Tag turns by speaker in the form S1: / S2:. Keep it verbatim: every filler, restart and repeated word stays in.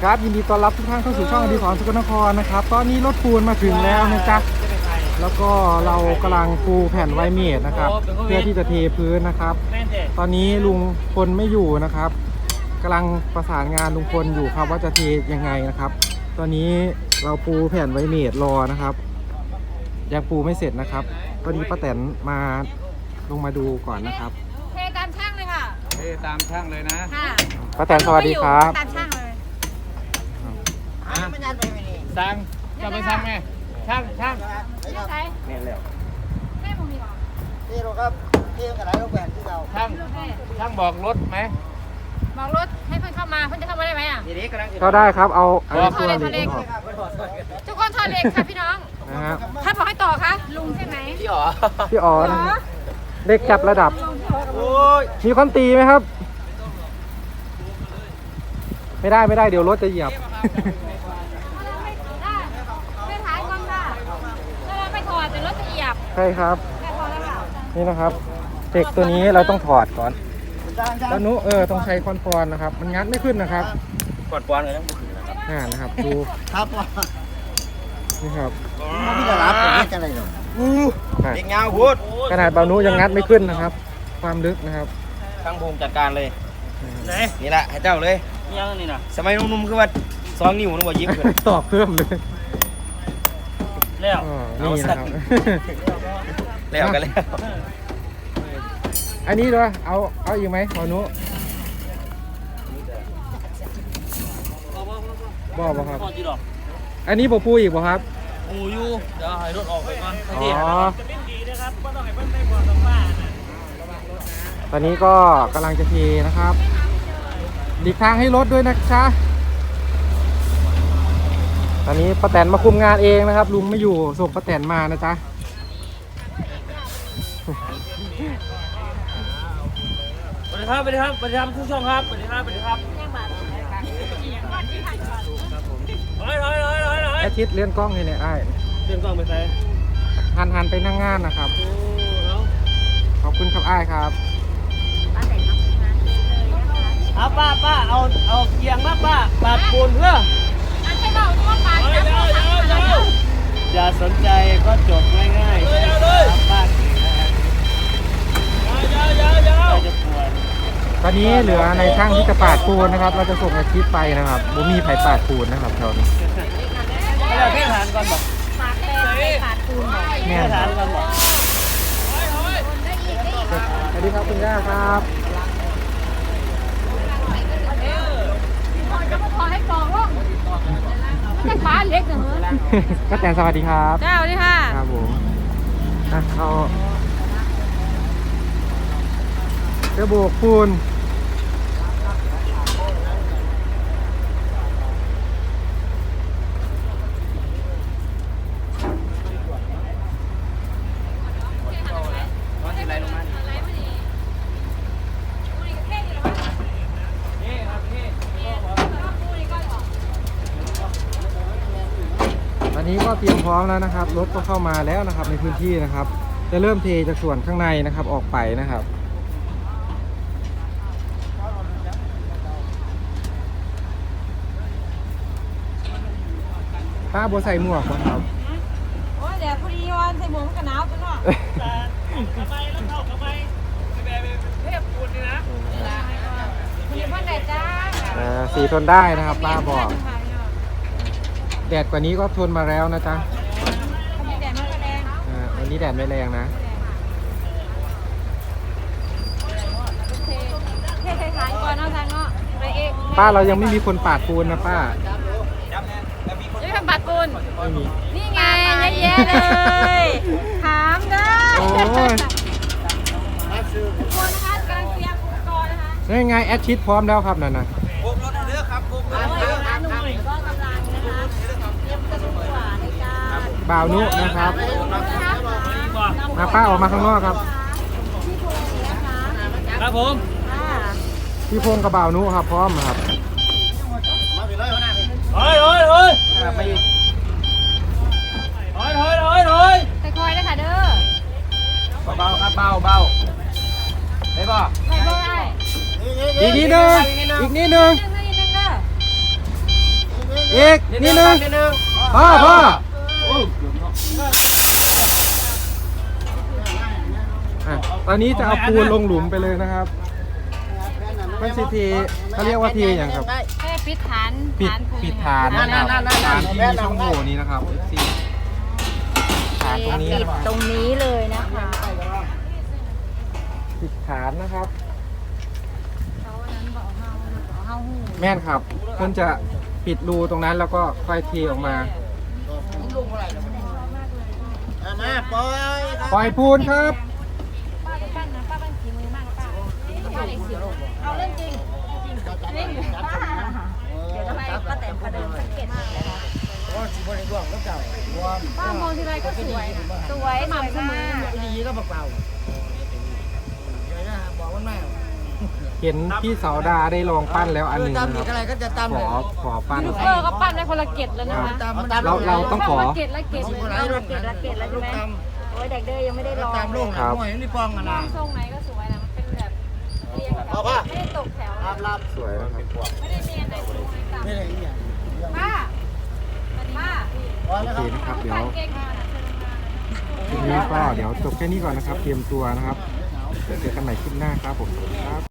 S1: ครับยินดีต้อนรับทุกท่านเข้าสู่ช่องอดิศรสกลนครนะครับตอนนี้รถปูนมาถึงแล้วนะจ๊ะแล้วก็เรากำลังปูแผ่นไวเมดนะครับเพื่อที่จะเทพื้นนะครับตอนนี้ลุงพลไม่อยู่นะครับกำลังประสานงานลุงพลอยู่ครับว่าจะเทยังไงนะครับ ตอนนี้เราปูแผ่นไวเมดรอนะครับยังปูไม่เสร็จนะครับตอนนี้ป้าแตนมาลงมาดูก่อนนะครับ
S2: เทตามช่างเลยค่ะ
S3: เทตามช่างเลยนะ
S2: ค่ะ
S1: ป้าแตนสวัสดีครับ
S2: ตามช่างเลย
S3: สั่งจะไปสั่งไหมช่างช่าง
S2: ไม่ใช่
S3: เนี่ยแล้ว
S2: แม่ผมดีกว่า
S4: ที่เราครับที่กระไรลูกแหวนที่เรา
S3: ช่างช่างบอกรถไหม
S2: บอกรถให้เพื่อนเข้ามาเพื่อนจะเข้ามาได้ไหมอ่ะ
S1: ก็ได้ครับเอาเอาตัวเหล็กออก
S2: ทุกคนถอดเหล็กค่ะพี่น้อง
S1: นะครับ
S2: ท่านบอกให้ต่อคะลุงใช่ไหม
S3: พี่อ๋อ
S1: พี่อ๋อนะเด็กจับระดับมีคนตีไหมครับไม่ได้ไม่ได้เดี๋ยวรถจะเหยียบ
S2: ไม่ถ่ายก่อนค่ะเราไปถอดแต่รถจะเหยียบ
S1: ใช่ครับนี่นะครับเด็กตัวนี้เราต้องถอดก่อนแล้วนุเออต้องใช้คอนปอนนะครับมันงัดไม่ขึ้นนะครับ
S3: กดปอนเลยนะ
S1: อ่านะครับดู
S4: ครับ
S1: นี่ครับ
S4: พี่จะรับผมไม่จะอะไรหรอก
S3: เด็กเงาพูด
S1: ขนาดเบานุยังงัดไม่ขึ้นนะครับความลึกนะครับ
S3: ช่างภูมิจัดการเลยนี่แหละให้เจ้าเลยยังนี่นะสมัยนุ่มๆคือว่าสองนิ้วนึกว่ายิบเลย
S1: ตอบเพิ่มเลย
S3: แล้ว
S1: นี่นะครับ
S3: แล้วกันแล้ว
S1: อันนี้ด้วยเอาเอาอีกไหมหมอนุบอกบ่ครับอันนี้บอกปูอีกบ่ครับ
S3: ปูอยู่เดี๋ยวให้รถออกไปก่อน
S1: อ๋อตอนนี้ก็กำลังจะเทนะครับหลีกทางให้รถด้วยนะจ๊ะตอนนี้ป้าแตนมาคุมงานเองนะครับลุงไม่อยู่ส่งป้าแตนมานะจ๊ะ
S3: สวัสดีครับสวัสดีครับสวัสดีครับทุกช่องครับสวัสดีครับสวัสดีครับเฮ้ยเฮ้ยเฮ้ยเฮ้ยเฮ้ย
S1: อาทิตย์เลื่อนกล้องให้เนี่ยไอ้
S3: เลื่อนกล้องไปไหน
S1: หันหันไปนั่งงานนะครับขอบคุณครับไอ้ครับ
S3: เอาป้าป้าเอาเอาเกียงมาป้าปาดปูนเพื่อ
S2: อันใช่เปล่าที่ว่าปาด
S3: อย่าสนใจก็จบง่ายๆป้าเก่งนะครับจะปวด
S1: ตอนนี้เหลือในช่างที่จะปาดปูนนะครับเราจะส่งอาทิตย์ไปนะครับบุมีไผ่ปาดปูนนะครับแถวนี้
S3: เราพี่ฐานก่อนบอก
S2: ปาดแป้งปาดปูน
S1: แม่
S3: ฐานก่อนบอก
S1: สวัสดีครับคุณย่าครับ
S2: ขอให้กองร่องไม่ใช่ฟ้าเล็กเหรอ
S1: ก็แต่สวัสดีครับ
S2: เจ้าดีค่ะ
S1: ครับผมอ่ะเขาจะโบกปูนอันนี้ก็เตรียมพร้อมแล้วนะครับรถก็เข้ามาแล้วนะครับในพื้นที่นะครับจะเริ่มเทจากส่วนข้างในนะครับออกไปนะครับป้าบัวใส่หมวกครับ
S2: โอ้เดี๋ยวพอดีวันใส่หมวกกันหนาวไปหน่อย
S3: ทำไมแล้วเข้าทำไมเทพปูนนี่นะ
S2: มีเพื่อนแดดจ้า
S1: สีทนได้นะครับป้าบอกแดดกว่านี้ก็ทนมาแล้วนะจ๊ะ
S2: วันนี้แดดไม่แรง
S1: วันนี้แดดไม่แรงนะ
S2: เท่ๆขายก่อนเนาะทางเนาะไปเอง
S1: ป้าเรายังไม่มีคนปาดปูนนะป้า
S2: ไม่ทำปาดปูน
S1: ไม่มี
S2: นี่ไงเยอะเลยถามเด้อโอ้ยทุกคนนะคะกำลังเตรียมอุปกรณ์นะคะ
S1: นี่ไงแอดชิดพร้อมแล้วครับนั่นนะ
S3: โบกรถเรือครับโบกรถ
S2: เรือครับหนุ่มก็กำลังนะคะเตรียมกระดูกหวานในการ
S1: บ่าวนุนะครับมาป้าออกมาข้างนอกครับ
S3: ครับผม
S1: พี่พงกับบ่าวนุครับพร้อมครับ
S3: เฮ้ยเฮ้ยเฮ้ยไปอีกเฮ้ยเฮ้ยเฮ้ยเฮ้ย
S2: คอยๆเลยค่ะเด้อ
S3: เบาๆครับเบาเบาได้ป่ะ
S2: ใส่เบอร์ไอ้
S1: อีกนิดนึงอีกนิดนึงอีกนิดนึง
S3: นิดนึง
S1: พ่อพ่ออ่ะตอนนี้จะเอาปูนลงหลุมไปเลยนะครับไม่ใช่เทเขาเรียกว่าเทอย่างครับ
S2: แค่ปิดฐาน
S1: ปิด
S2: ฐานปู
S1: ปิดฐานนะครับ
S3: นั่นๆๆๆ
S1: ฐานที่มีช่องโหว่นี้นะครับที่ฐานตรงนี้
S2: ปิดตรงนี้เลยนะคะ
S1: ปิดฐานนะครับ
S2: เขาอันนั้นบอกเฮาบอกเฮาหู
S1: แม่นครับเพิ่นจะปิดรูตรงนั้นแล้วก็ค่อยเทออกมา
S4: เอามาปล่อยครับ
S1: ปล่อยปูนครับ
S2: ป้าไปปั้นนะป้าปั้นขี่มือมากนะป้าป้าเลยเสียวเอาเรื่องจริงเล่นอยู่ป้าเดี๋ยวทำไมป้าแตมประเดิมสังเกตมากเลยนะ
S4: โอ้สิบริวารก็เจ้าบวม
S2: ป้ามองทีไรก็สวยนะสวยสวยมาก
S4: ดีก็เปล่าเดี๋ยวนะบอกมันไม่
S1: เห็นพี่สาวดาได้ลองปั้นแล้วอันหนึ่งนะ
S4: ตำอีก
S1: ค
S4: อะไร
S1: รับ
S4: ก็จะตำ
S1: ข
S4: เล
S1: อย ขอปั้น
S2: ยูทูบเบอร์ก็ปั้นได้คนละเกตแล้วนะคะ
S4: ตำ
S1: เราเราต้องขอ
S2: เกตละเกตละเกตละเกตละใช่ไหมโอ้ยเด็กเด้ยังไม่ได้ลอง
S4: ตำลูกหน่อยนี่ปองกัน
S2: ลอ
S4: นะ
S2: งทรงไหนก็สวยนะมันเป็นแบบเรียงแถวไม่ได้ตกแถว
S4: รับรับ
S1: สวยนะครับ
S2: ไม่ได้เรียงในตรงไหนต่ำ
S4: ไม่ได้อีกอย่าง
S2: ป้าป้า
S4: พอ
S1: โอ
S4: แล้ว
S1: เค
S4: ครับ
S1: นะครับเดี๋ยว
S2: เก่งมากนะ
S1: คลิปนี้ก็เดี๋ยวจบแค่นี้ก่อนนะครับ เตรียมตัวนะครับเดี๋ยวเจอกันใหม่คลิปหน้าครับผมสวัสดีครับ